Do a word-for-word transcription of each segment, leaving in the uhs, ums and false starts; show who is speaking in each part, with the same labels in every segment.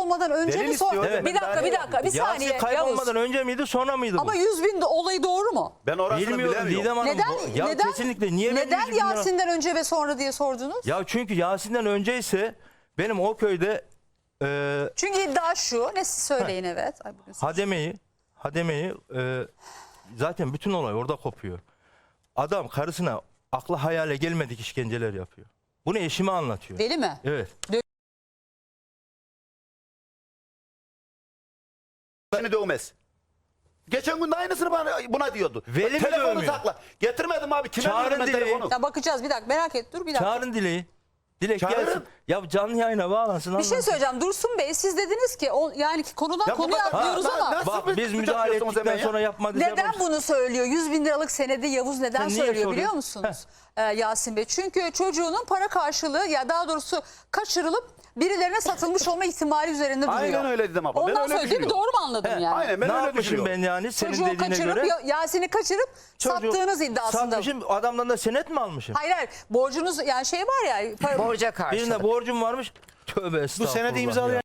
Speaker 1: kaybolmadan önce
Speaker 2: Delil
Speaker 1: mi sonra?
Speaker 2: istiyor,
Speaker 1: Bir
Speaker 2: ben
Speaker 1: dakika
Speaker 2: daha
Speaker 1: bir
Speaker 2: ne
Speaker 1: dakika bir
Speaker 2: yapayım?
Speaker 1: saniye
Speaker 2: Yasin kaybolmadan
Speaker 1: Yavuz.
Speaker 2: önce miydi sonra mıydı bu?
Speaker 1: Ama yüz bin olayı doğru mu?
Speaker 3: Ben orasını
Speaker 2: Bilmiyorum
Speaker 3: bilemiyorum.
Speaker 2: Didem Hanım.
Speaker 1: Neden
Speaker 2: bu- Ya
Speaker 1: neden
Speaker 2: kesinlikle niye benim
Speaker 1: neden
Speaker 2: yüz bin lira-
Speaker 1: Yasin'den önce ve sonra diye sordunuz?
Speaker 2: Ya çünkü Yasin'den önceyse benim o köyde e,
Speaker 1: Çünkü iddia şu. Ne siz söyleyin evet. Ay, bugün
Speaker 2: hademeyi hademeyi e, zaten bütün olay orada kopuyor. Adam karısına akla hayale gelmedik işkenceler yapıyor. Bunu eşime anlatıyor.
Speaker 1: Deli mi?
Speaker 2: Evet.
Speaker 3: Seni dövmez. Geçen gün de aynısını bana, buna diyordu.
Speaker 2: Veli mi
Speaker 3: Telefonu
Speaker 2: dövmüyor?
Speaker 3: sakla. Getirmedim abi. Kime
Speaker 2: Çağırın
Speaker 3: verdim ben
Speaker 2: dileği.
Speaker 3: telefonu?
Speaker 1: Ya bakacağız bir dakika merak et dur bir dakika.
Speaker 2: Çağırın Dilek'i. Dilek
Speaker 3: Çağırın.
Speaker 2: gelsin. Ya canlı yayına bağlansın.
Speaker 1: Bir şey
Speaker 2: anlatsın.
Speaker 1: söyleyeceğim Dursun Bey siz dediniz ki o, yani ki konudan
Speaker 3: Ya bu
Speaker 1: konuya
Speaker 3: kadar-
Speaker 1: atlıyoruz
Speaker 3: Ha,
Speaker 1: ama.
Speaker 3: nasıl
Speaker 2: Bak
Speaker 3: bir
Speaker 2: biz
Speaker 3: suç
Speaker 2: müdahale
Speaker 3: yapıyorsunuz
Speaker 2: ettikten
Speaker 3: hemen ya?
Speaker 2: sonra yapmadı.
Speaker 1: Neden bunu söylüyor? yüz bin liralık senedi Yavuz neden
Speaker 2: Sen niye
Speaker 1: söylüyor
Speaker 2: soruyorsun?
Speaker 1: biliyor musunuz ee, Yasin Bey? Çünkü çocuğunun para karşılığı ya daha doğrusu kaçırılıp birilerine satılmış olma ihtimali üzerinde duruyor.
Speaker 3: Aynen öyle dedim abla. Ben
Speaker 1: Ondan
Speaker 3: öyle
Speaker 1: sonra değil mi?
Speaker 3: düşünüyorum.
Speaker 1: Doğru mu anladım
Speaker 2: He,
Speaker 1: yani?
Speaker 3: Aynen ben
Speaker 2: ne
Speaker 3: öyle
Speaker 2: yapmışım
Speaker 3: düşünüyorum.
Speaker 2: ben yani senin
Speaker 1: Çocuğu
Speaker 2: dediğine
Speaker 1: kaçırıp
Speaker 2: göre?
Speaker 1: Ya- Yasin'i kaçırıp
Speaker 2: Çocuğu
Speaker 1: sattığınız iddiasında.
Speaker 2: Satmışım, adamdan da senet mi almışım?
Speaker 1: Hayır hayır borcunuz yani şey var ya. Para,
Speaker 4: Borca karşılık.
Speaker 2: Birine borcum varmış. Tövbe estağfurullah.
Speaker 5: senedi
Speaker 2: ya.
Speaker 5: imzalayan-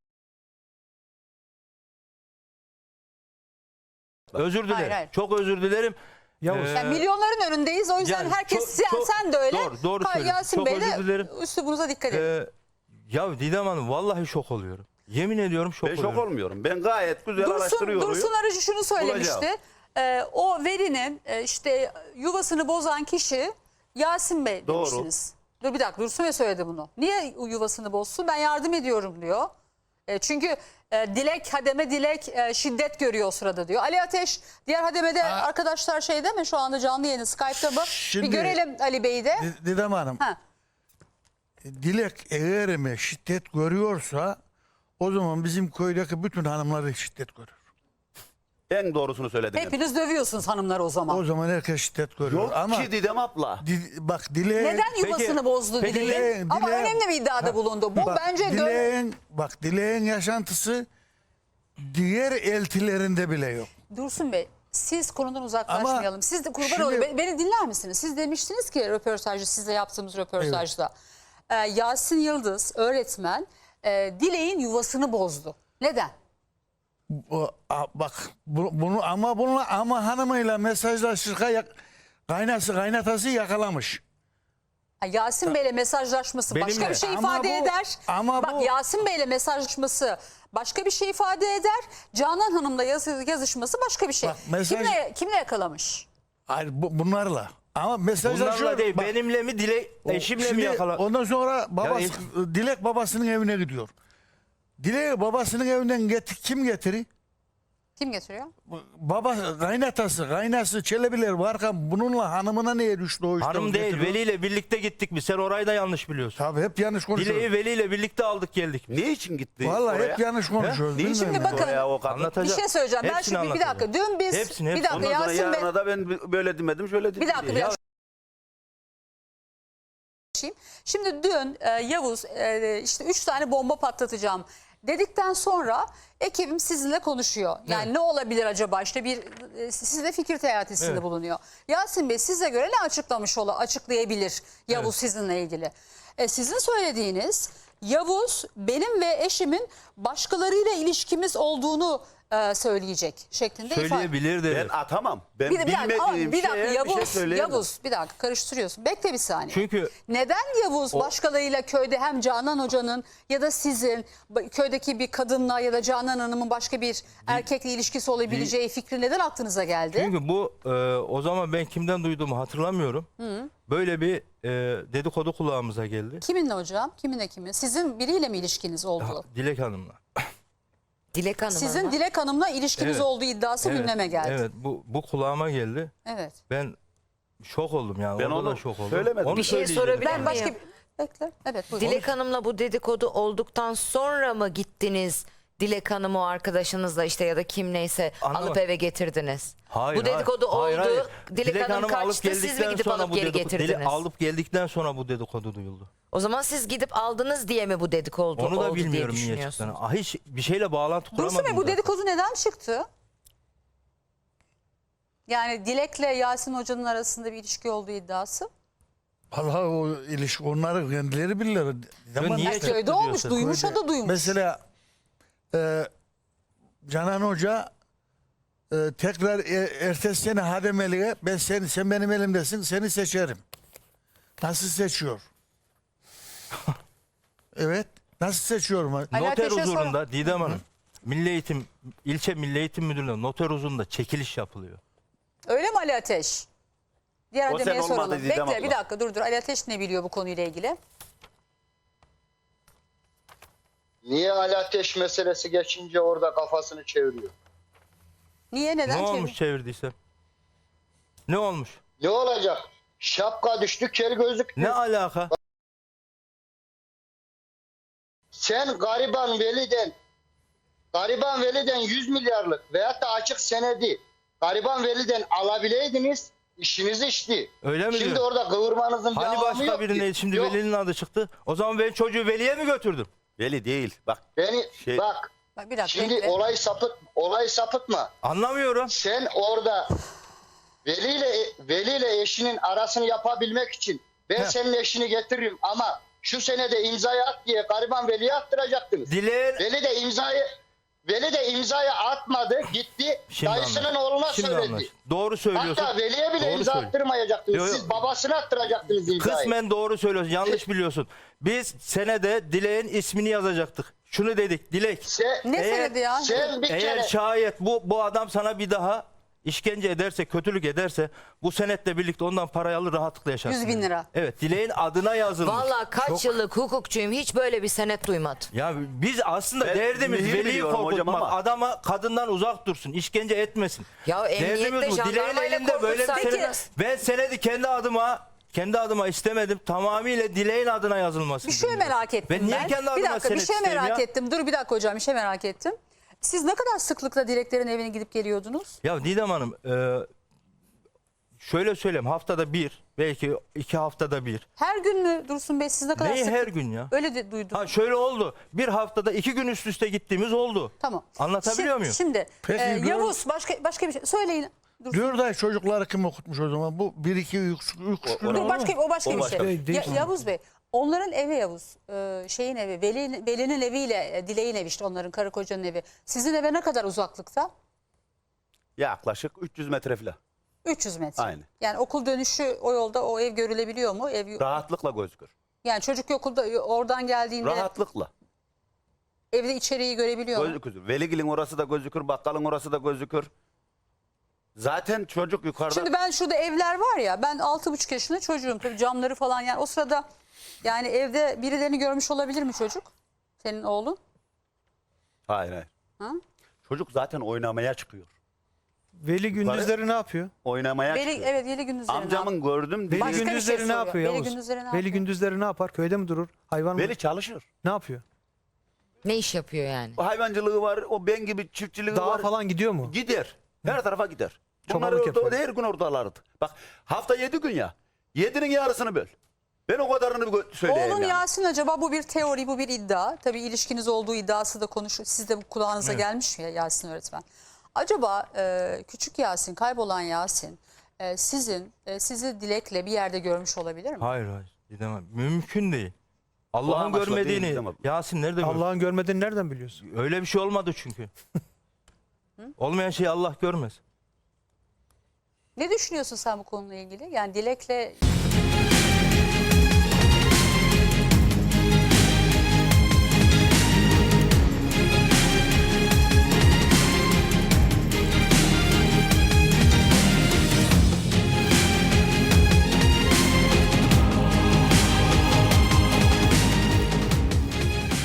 Speaker 2: Özür dilerim.
Speaker 1: Hayır, hayır.
Speaker 2: Çok özür dilerim.
Speaker 5: Yavuz.
Speaker 2: Ee,
Speaker 1: yani milyonların önündeyiz o yüzden
Speaker 2: yani
Speaker 1: herkes
Speaker 2: çok-
Speaker 1: sen,
Speaker 2: çok-
Speaker 1: sen de öyle.
Speaker 2: Doğru, doğru
Speaker 1: Ha,
Speaker 2: söylüyorsun.
Speaker 1: Yasin
Speaker 2: Çok
Speaker 1: Bey
Speaker 2: özür dilerim.
Speaker 1: de üslubunuza dikkat edin.
Speaker 2: Ee, ya Didem Hanım vallahi şok oluyorum. Yemin ediyorum şok
Speaker 3: Ben
Speaker 2: oluyorum.
Speaker 3: şok olmuyorum. Ben gayet güzel
Speaker 1: Dursun,
Speaker 3: araştırıyorum.
Speaker 1: Dursun Arıcı şunu söylemişti.
Speaker 3: Bulacağım.
Speaker 1: Ee, o verinin e, işte yuvasını bozan kişi Yasin Bey
Speaker 3: Doğru.
Speaker 1: demiştiniz. Dur bir dakika Dursun Bey söyledi bunu. Niye yuvasını bozsun? Ben yardım ediyorum diyor. E, çünkü e, Dilek, Hademe Dilek e, şiddet görüyor o sırada diyor. Ali Ateş diğer Hademe'de arkadaşlar şeyde mi şu anda canlı yayını Skype'ta mı?
Speaker 5: Şimdi-
Speaker 1: bir görelim Ali Bey'i de.
Speaker 5: Di- Didem Hanım,
Speaker 1: Ha.
Speaker 5: Dilek eğer mi şiddet görüyorsa o zaman bizim köydeki bütün hanımlar şiddet görür.
Speaker 3: En doğrusunu söyledim.
Speaker 1: Hepiniz dövüyorsunuz hanımları o zaman.
Speaker 5: O zaman herkes şiddet görüyor.
Speaker 3: Yok
Speaker 5: Ama
Speaker 3: ki Didem abla.
Speaker 5: di- bak Dilek
Speaker 1: Neden yuvasını
Speaker 2: Peki-
Speaker 1: bozdu
Speaker 2: peki
Speaker 1: Dilek'in?
Speaker 5: Dilek'in-
Speaker 1: Ama
Speaker 5: Dilek'in-
Speaker 1: önemli bir iddiada bulundu. Bu
Speaker 5: bak,
Speaker 1: bence dö-
Speaker 5: Dilek'in bak Dilek'in yaşantısı diğer eltilerinde bile yok.
Speaker 1: Dursun Bey siz konudan uzaklaşmayalım.
Speaker 5: Ama
Speaker 1: Siz de kurban
Speaker 5: şimdi-
Speaker 1: olayım. Beni, beni dinler misiniz? Siz demiştiniz ki röportajda sizle yaptığımız röportajda. Ee, Yasin Yıldız öğretmen e, Dilek'in yuvasını bozdu. Neden?
Speaker 5: Bu, a- bak bu- bunu ama bunu ama hanımıyla mesajlaşırken yak, kaynası kaynatası yakalamış.
Speaker 1: Ha, Yasin Bey'le mesajlaşması başka
Speaker 2: Benimle.
Speaker 1: bir şey
Speaker 5: Ama
Speaker 1: ifade
Speaker 5: bu-
Speaker 1: eder.
Speaker 5: ama
Speaker 1: Bak
Speaker 5: bu-
Speaker 1: Yasin Bey'le mesajlaşması başka bir şey ifade eder. Canan Hanım'la yazı- yazışması başka bir şey.
Speaker 5: Bak, mesaj-
Speaker 1: Kimle, kimle yakalamış?
Speaker 5: Hayır bu, bunlarla. Ama mesajlaşıyor.
Speaker 2: Bunlarla değil
Speaker 5: bak,
Speaker 2: benimle mi Dilek eşimle
Speaker 5: şimdi
Speaker 2: mi yakala?
Speaker 5: ondan sonra babası,
Speaker 2: Yani-
Speaker 5: Dilek babasının evine gidiyor. Dilek babasının evinden getir, kim getiri?
Speaker 1: Kim getiriyor?
Speaker 5: Baba kaynatası, kaynası Çelebiler varken bununla hanımına niye düştü o işte?
Speaker 2: Hanım
Speaker 5: o
Speaker 2: değil
Speaker 5: getiriyor?
Speaker 2: Veli ile birlikte gittik biz. Sen orayı da yanlış biliyorsun.
Speaker 5: Tabii hep yanlış konuşuyor.
Speaker 2: Dileği Veli ile birlikte aldık geldik.
Speaker 3: Ne için gitti
Speaker 5: Vallahi
Speaker 3: oraya?
Speaker 5: hep yanlış konuşuyoruz.
Speaker 3: Ne için
Speaker 5: bilmiyorum
Speaker 3: gitti
Speaker 5: ya.
Speaker 1: bakın-
Speaker 3: oraya o kadın?
Speaker 2: Anlatacağım.
Speaker 1: Bir şey söyleyeceğim. Ben
Speaker 2: Hepsini
Speaker 1: şimdi bir dakika.
Speaker 2: anlatacağım.
Speaker 1: Dün biz
Speaker 2: Hepsini,
Speaker 1: bir
Speaker 2: hepsini.
Speaker 1: dakika
Speaker 3: Ondan sonra
Speaker 1: Yasin Bey.
Speaker 3: yarına da ben böyle demedim şöyle dedim.
Speaker 1: Bir dakika,
Speaker 3: diye.
Speaker 1: bir
Speaker 3: Ya
Speaker 1: dakika. Şimdi dün e, Yavuz e, işte üç tane bomba patlatacağım dedikten sonra ekibim sizinle konuşuyor. Yani
Speaker 2: Evet.
Speaker 1: ne olabilir acaba işte bir e, sizle fikir teatisinde
Speaker 2: Evet.
Speaker 1: bulunuyor. Yasin Bey size göre ne açıklamış ola açıklayabilir Yavuz
Speaker 2: Evet.
Speaker 1: sizinle ilgili? E, sizin söylediğiniz Yavuz benim ve eşimin başkalarıyla ilişkimiz olduğunu e, söyleyecek şeklinde ifade.
Speaker 2: Söyleyebilir dedi.
Speaker 3: ben atamam. Ben
Speaker 1: Bir, bir dakika, ama
Speaker 3: bilmediğim
Speaker 1: bir dakika
Speaker 3: şeye
Speaker 1: Yavuz,
Speaker 3: bir şey söyleyemem.
Speaker 1: Yavuz bir dakika karıştırıyorsun. Bekle bir saniye.
Speaker 2: Çünkü
Speaker 1: Neden Yavuz başkalarıyla köyde hem Canan Hoca'nın ya da sizin ba- köydeki bir kadınla ya da Canan Hanım'ın başka bir erkekle ilişkisi olabileceği fikri neden aklınıza geldi?
Speaker 2: Çünkü bu e, o zaman ben kimden duyduğumu hatırlamıyorum. Böyle bir e, dedikodu kulağımıza geldi.
Speaker 1: Kiminle hocam? Kiminle kimin? Sizin biriyle mi ilişkiniz oldu?
Speaker 2: Dilek Hanım'la.
Speaker 4: Dilek Hanım
Speaker 1: Sizin
Speaker 4: ama.
Speaker 1: Dilek Hanım'la ilişkiniz
Speaker 2: Evet.
Speaker 1: olduğu iddiası
Speaker 2: Evet,
Speaker 1: gündeme geldi.
Speaker 2: Evet bu, bu kulağıma geldi.
Speaker 1: Evet.
Speaker 2: Ben şok oldum yani.
Speaker 3: Ben
Speaker 2: Orada
Speaker 3: onu
Speaker 2: da şok oldum.
Speaker 3: söylemedim.
Speaker 2: Onu
Speaker 4: Bir şey
Speaker 2: söyleyeceğim.
Speaker 4: sorabilir
Speaker 1: Ben
Speaker 4: miyim?
Speaker 1: başka bir... Bekle. Evet buyurun.
Speaker 4: Dilek Hanım'la bu dedikodu olduktan sonra mı gittiniz Dilek Hanım'ı o arkadaşınızla işte ya da kim neyse
Speaker 2: Anlamadım.
Speaker 4: alıp eve getirdiniz?
Speaker 2: Hayır,
Speaker 4: bu dedikodu
Speaker 2: hayır,
Speaker 4: oldu.
Speaker 2: hayır.
Speaker 4: Dilek, Hanım
Speaker 2: Hanım'ı
Speaker 4: kaçtı. Siz mi
Speaker 2: geldikten
Speaker 4: gidip
Speaker 2: sonra
Speaker 4: alıp
Speaker 2: bu
Speaker 4: geri
Speaker 2: dedikodu- Dilek
Speaker 4: getirdiniz?
Speaker 2: alıp geldikten sonra bu dedikodu duyuldu.
Speaker 4: O zaman siz gidip aldınız diye mi bu dedikodu
Speaker 2: Onu da
Speaker 4: oldu diye
Speaker 2: bilmiyorum niye çıktığını.
Speaker 4: düşünüyorsunuz?
Speaker 2: Ah, hiç bir şeyle bağlantı kuramadım.
Speaker 1: Dursun Bey bu
Speaker 2: zaten.
Speaker 1: dedikodu neden çıktı? Yani Dilek'le Yasin Hoca'nın arasında bir ilişki olduğu iddiası.
Speaker 5: Vallahi o ilişki onları kendileri bilirler. Ama
Speaker 2: niye
Speaker 5: işte-
Speaker 2: çıktı
Speaker 1: Köyde olmuş,
Speaker 2: diyorsun?
Speaker 1: duymuş o da duymuş.
Speaker 5: Mesela e, Canan Hoca e, tekrar e, ertesi sene hademeliğe ben seni, sen benim elimdesin, seni seçerim. Nasıl seçiyor? Evet. Nasıl seçiyorum?
Speaker 1: Ali
Speaker 2: Noter
Speaker 1: Ateş'e sonra-
Speaker 2: huzurunda Didem Hanım, Milli Eğitim, ilçe Milli Eğitim Müdürlüğü'nde noter huzurunda çekiliş yapılıyor.
Speaker 1: Öyle mi Ali Ateş? Diğer
Speaker 3: O
Speaker 1: hademeye
Speaker 3: sen olmadı
Speaker 1: soralım.
Speaker 3: Didem
Speaker 1: Bekle
Speaker 3: abla.
Speaker 1: bir dakika dur dur. Ali Ateş ne biliyor bu konuyla ilgili?
Speaker 6: Niye Ali Ateş meselesi geçince orada kafasını çeviriyor?
Speaker 1: Niye neden
Speaker 2: Ne
Speaker 1: çevir-
Speaker 2: olmuş çevirdiyse? Ne olmuş?
Speaker 6: Ne olacak? Şapka düştü, kel gözlük.
Speaker 2: Ne alaka?
Speaker 6: Sen gariban veliden gariban veliden yüz milyarlık veyahut da açık senedi gariban veliden alabileydiniz, işiniz işti.
Speaker 2: Öyle mi
Speaker 6: Şimdi
Speaker 2: diyor?
Speaker 6: orada kıvırmanızın bir
Speaker 2: Hani
Speaker 6: anlamı
Speaker 2: başka
Speaker 6: yok
Speaker 2: birine
Speaker 6: ki.
Speaker 2: şimdi
Speaker 6: Yok,
Speaker 2: velinin adı çıktı. O zaman ben çocuğu veliye mi götürdüm?
Speaker 3: Veli değil. Bak
Speaker 6: Beni
Speaker 3: Şey-
Speaker 6: bak
Speaker 1: Bak bir dakika
Speaker 6: şimdi
Speaker 1: bekle.
Speaker 6: olay sapıt olay sapıtma.
Speaker 2: Anlamıyorum.
Speaker 6: Sen orada veliyle veliyle eşinin arasını yapabilmek için ben
Speaker 2: Heh.
Speaker 6: senin eşini getiririm ama şu senede imzayı at diye gariban veliye attıracaktınız.
Speaker 2: Dileğin...
Speaker 6: Veli de imzayı Veli de imzayı atmadı, gitti
Speaker 2: Şimdi
Speaker 6: dayısının
Speaker 2: anlaş-
Speaker 6: oğluna
Speaker 2: Şimdi
Speaker 6: söyledi.
Speaker 2: anlaş. Doğru söylüyorsun.
Speaker 6: Hatta veliye bile
Speaker 2: Doğru
Speaker 6: imza
Speaker 2: söylüyor.
Speaker 6: attırmayacaktınız.
Speaker 2: Yo, yo.
Speaker 6: Siz babasına attıracaktınız imzayı.
Speaker 2: Kısmen doğru söylüyorsun. Yanlış biliyorsun. Biz senede Dilek'in ismini yazacaktık. Şunu dedik. Dilek.
Speaker 6: Sen,
Speaker 1: Ne
Speaker 2: Eğer-
Speaker 1: senedi ya?
Speaker 6: sen bir
Speaker 2: Eğer
Speaker 6: kere
Speaker 2: şayet bu bu adam sana bir daha işkence ederse, kötülük ederse bu senetle birlikte ondan parayı alır rahatlıkla yaşarsın.
Speaker 1: yüz bin lira.
Speaker 2: Evet, Dilek'in adına yazılmış.
Speaker 4: Valla kaç yıllık hukukçuyum, hiç böyle bir senet duymadım.
Speaker 2: Ya biz aslında
Speaker 3: Ben
Speaker 2: derdimiz
Speaker 3: mühür
Speaker 2: veliyi
Speaker 3: biliyorum hocam
Speaker 2: korkutmak.
Speaker 3: ama-
Speaker 2: Adama kadından uzak dursun, işkence etmesin.
Speaker 4: Ya emniyette,
Speaker 2: Derdimiz bu. Dileğin
Speaker 4: jandarmayla
Speaker 2: elinde böyle bir
Speaker 4: korkutsaydınız.
Speaker 2: senet. Ben senedi kendi adıma kendi adıma istemedim. Tamamıyla Dileğin adına yazılması.
Speaker 1: Bir şey merak ettim
Speaker 2: Ben niye
Speaker 1: ben.
Speaker 2: kendi
Speaker 1: bir
Speaker 2: adıma
Speaker 1: dakika bir
Speaker 2: senet
Speaker 1: şey
Speaker 2: isteyeyim
Speaker 1: merak
Speaker 2: ya?
Speaker 1: ettim. Dur bir dakika hocam bir şey merak ettim. Siz ne kadar sıklıkla Dileklerin evine gidip geliyordunuz?
Speaker 2: Ya Didem Hanım e, şöyle söyleyeyim, haftada bir belki iki haftada bir.
Speaker 1: Her gün mü Dursun Bey siz ne kadar
Speaker 2: Neyi
Speaker 1: sık?
Speaker 2: her gün ya?
Speaker 1: Öyle de duydum.
Speaker 2: Ha şöyle oldu. Bir haftada iki gün üst üste gittiğimiz oldu.
Speaker 1: Tamam.
Speaker 2: Anlatabiliyor
Speaker 1: şimdi,
Speaker 2: muyum?
Speaker 1: Şimdi
Speaker 5: Peki,
Speaker 1: e,
Speaker 5: dur.
Speaker 1: Yavuz başka başka bir şey söyleyin. Dursun.
Speaker 5: Dört ay çocukları kim okutmuş o zaman? Bu bir iki üç, üç gün
Speaker 1: Dur
Speaker 5: olur
Speaker 1: başka
Speaker 5: mu?
Speaker 1: o başka
Speaker 3: O
Speaker 1: bir
Speaker 3: başka
Speaker 1: şey.
Speaker 3: bir
Speaker 1: Ya- Yavuz Bey onların evi Yavuz. e, şeyin evi Veli, Veli'nin eviyle e, Dilek'in evi işte onların karı kocanın evi. Sizin eve ne kadar uzaklıkta?
Speaker 3: yaklaşık üç yüz metre falan.
Speaker 1: üç yüz metre.
Speaker 3: Aynen.
Speaker 1: Yani okul dönüşü o yolda o ev görülebiliyor mu? Ev
Speaker 3: Rahatlıkla gözükür.
Speaker 1: yani çocuk okulda oradan geldiğinde
Speaker 3: Rahatlıkla
Speaker 1: evde içeriği görebiliyor mu?
Speaker 3: gözükür. Veligil'in orası da gözükür, bakkalın orası da gözükür. Zaten çocuk yukarıda.
Speaker 1: Şimdi ben şurada evler var ya ben altı buçuk yaşında çocuğum tabii camları falan yani o sırada yani evde birilerini görmüş olabilir mi çocuk? Senin oğlun?
Speaker 3: Hayır hayır.
Speaker 1: Ha?
Speaker 3: Çocuk zaten oynamaya çıkıyor.
Speaker 7: Veli gündüzleri ne yapıyor?
Speaker 3: Oynamaya
Speaker 1: Veli,
Speaker 3: çıkıyor.
Speaker 1: evet Veli gündüzleri.
Speaker 3: Amcamın gördüm.
Speaker 7: Veli
Speaker 1: Başka bir şey
Speaker 7: gündüzleri ne
Speaker 1: soruyor.
Speaker 7: yapıyor
Speaker 1: Veli
Speaker 7: Yavuz?
Speaker 1: gündüzleri ne
Speaker 7: Veli
Speaker 1: yapıyor?
Speaker 7: gündüzleri ne yapar? Köyde mi durur? Hayvan mı?
Speaker 3: Veli çalışır.
Speaker 7: Ne yapıyor?
Speaker 4: Ne iş yapıyor yani?
Speaker 3: O hayvancılığı var, o ben gibi çiftçiliği
Speaker 7: Dağa
Speaker 3: var.
Speaker 7: falan gidiyor mu?
Speaker 3: Gider. Her tarafa gider. Bunlar
Speaker 7: Çobanlık
Speaker 3: orada,
Speaker 7: yapıyor.
Speaker 3: her gün oradalardı. Bak hafta yedi gün ya. Yedinin yarısını böl. Ben o kadarını bir gö- söyleyeyim
Speaker 1: Oğlun
Speaker 3: yani.
Speaker 1: Yasin acaba bu bir teori bu bir iddia. Tabii ilişkiniz olduğu iddiası da konuşuyor. Siz de bu kulağınıza gelmiş mi ya Yasin öğretmen? Acaba e, küçük Yasin kaybolan Yasin e, sizin e, sizi Dilek'le bir yerde görmüş olabilir mi?
Speaker 2: Hayır hayır. Didem Hanım, mümkün değil. Allah'ın
Speaker 3: amaçla değil
Speaker 2: görmediğini
Speaker 3: Didem Hanım.
Speaker 2: Yasin nerede gördü?
Speaker 7: Allah'ın görmediğini nereden biliyorsun?
Speaker 2: Öyle bir şey olmadı çünkü. Olmayan şeyi Allah görmez.
Speaker 1: Ne düşünüyorsun sen bu konuyla ilgili? Yani Dilek'le